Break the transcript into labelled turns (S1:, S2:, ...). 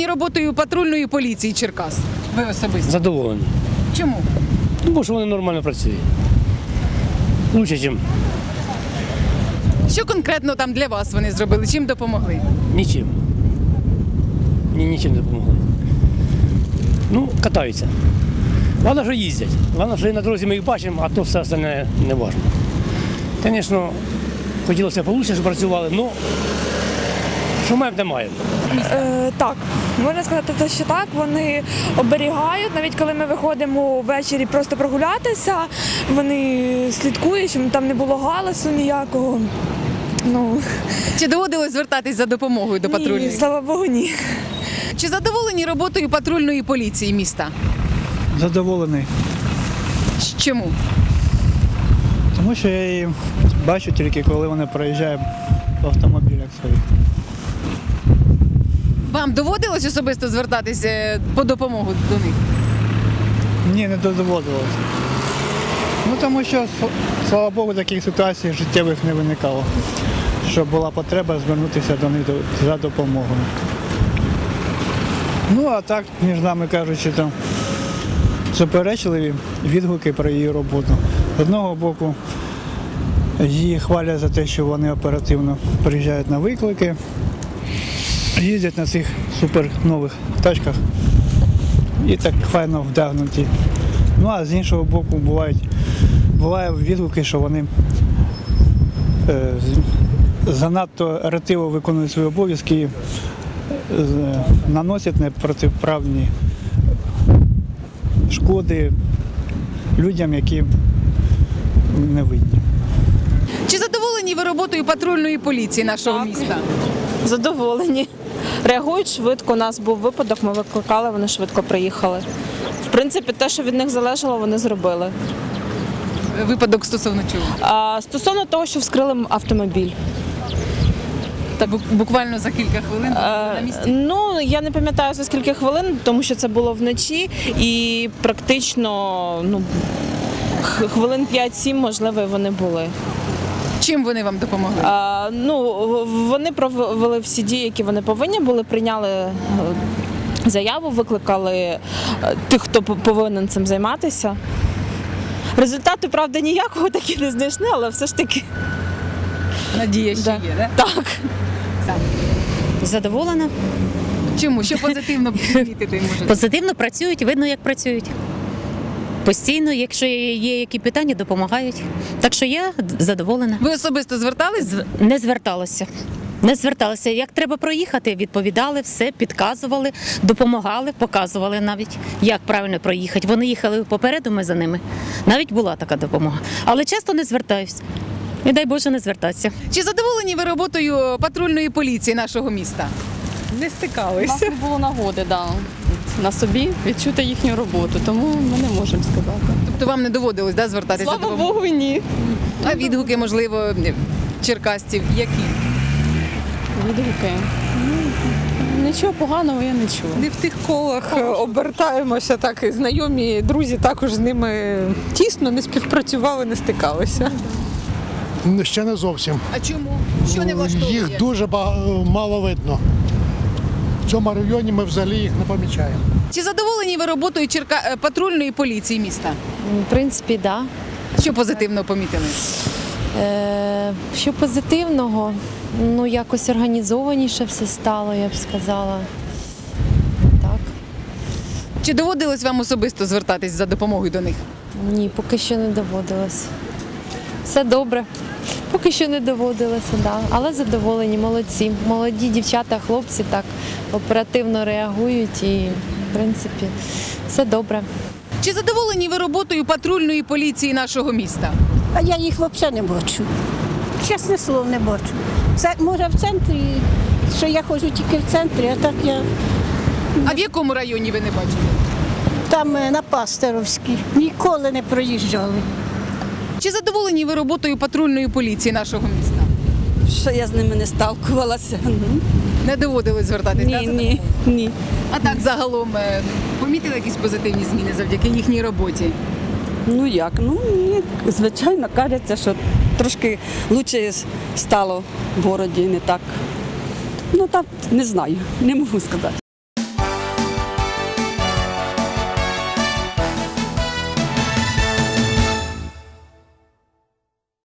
S1: роботою патрульної поліції Черкас? Ви особисто?
S2: Задоволені.
S1: Чому?
S2: Тому що вони нормально працюють. Лучше, ніж
S1: Що конкретно там для вас вони зробили? Чим допомогли?
S2: нічим. Ні, нічим не допомогли. Ну, катаються. Головне, що їздять. Головне, що і на дорозі ми їх бачимо, а то все остальне не важливо. Звісно, хотілося б краще, щоб працювали, але що маємо, те маємо.
S3: Так, можна сказати, що так. Вони оберігають, навіть коли ми виходимо ввечері просто прогулятися, вони слідкують, щоб там не було галасу ніякого.
S1: Чи доводилось звертатись за допомогою до патрульної?
S3: Ні, слава Богу, ні.
S1: Чи задоволені роботою патрульної поліції міста?
S4: Задоволений,
S1: Чому?
S4: тому що я її бачу тільки, коли вони проїжджають в автомобілях своїх.
S1: Вам доводилось особисто звертатися по допомогу до них?
S4: Ні, не доводилося. Тому що, слава Богу, таких ситуацій життєвих не виникало, щоб була потреба звернутися до них за допомогою. А так, між нами кажучи, там суперечливі відгуки про її роботу. З одного боку, її хвалять за те, що вони оперативно приїжджають на виклики, їздять на цих супер нових тачках і так файно вдягнуті. А з іншого боку, буває відгуки, що вони занадто ретиво виконують свої обов'язки і наносять непротиправні шкоди людям, які не винні.
S1: Чи задоволені ви роботою патрульної поліції нашого міста?
S5: Задоволені. Реагують швидко. У нас був випадок, ми викликали, вони швидко приїхали. В принципі, те, що від них залежало, вони зробили.
S1: Випадок стосовно чого?
S5: Стосовно того, що вскрили автомобіль.
S1: Буквально за кілька хвилин на місці?
S5: Я не пам'ятаю за скільки хвилин, тому що це було вночі і практично хвилин 5-7, можливо, вони були.
S1: Чим вони вам допомогли?
S5: Вони провели всі дії, які вони повинні були, прийняли заяву, викликали тих, хто повинен цим займатися. Результату, правда, ніякого так і не знайшли, але все ж таки.
S1: Надія ще є, так?
S5: Так.
S6: Задоволена.
S1: Чому? Що позитивно помітити можете?
S6: Позитивно працюють, видно, як працюють. Постійно, якщо є які питання, допомагають. Так що я задоволена.
S1: Ви особисто звертались?
S6: Не зверталася. Не зверталася. Як треба проїхати, відповідали, все, підказували, допомагали, показували навіть, як правильно проїхати. Вони їхали попереду, ми за ними. Навіть була така допомога. Але часто не звертаюсь. І дай Боже не звертатися.
S1: Чи задоволені ви роботою патрульної поліції нашого міста?
S7: Не стикалися.
S8: У нас не було нагоди, на собі відчути їхню роботу, тому ми не можемо сказати.
S1: Тобто вам не доводилось звертатися
S8: Слава
S1: за допомогою?
S8: Богу, ні.
S1: А відгуки, можливо, черкасців які?
S8: Відгуки. Нічого поганого я не чула.
S7: Не в тих колах обертаємося, так і знайомі, друзі також з ними тісно не співпрацювали, не стикалися.
S9: Ще не зовсім.
S1: А чому? Що не влаштовує?
S9: Їх дуже мало видно. В цьому районі ми взагалі їх не помічаємо.
S1: Чи задоволені ви роботою патрульної поліції міста?
S10: В принципі, так.
S1: Що позитивно помітили?
S10: Що позитивного? Якось організованіше все стало, я б сказала. Так.
S1: Чи доводилось вам особисто звертатись за допомогою до них?
S10: Ні, поки що не доводилось. Все добре. Поки що не доводилося, да. Але задоволені, молодці. Молоді дівчата, хлопці так оперативно реагують і, в принципі, все добре.
S1: Чи задоволені ви роботою патрульної поліції нашого міста?
S11: А я їх взагалі не бачу. Чесне слово, не бачу. Це, може, в центрі, що я ходжу тільки в центрі, а так я...
S1: А в якому районі ви не бачите?
S11: Там на Пастеровській. Ніколи не проїжджали.
S1: Чи задоволені ви роботою патрульної поліції нашого міста?
S5: Що я з ними не сталкувалася.
S1: Не доводилось звертатись?
S5: Ні.
S1: А так загалом помітили якісь позитивні зміни завдяки їхній роботі?
S5: Мені, звичайно, кажеться, що трошки краще стало в городі, не так. Не знаю, не можу сказати.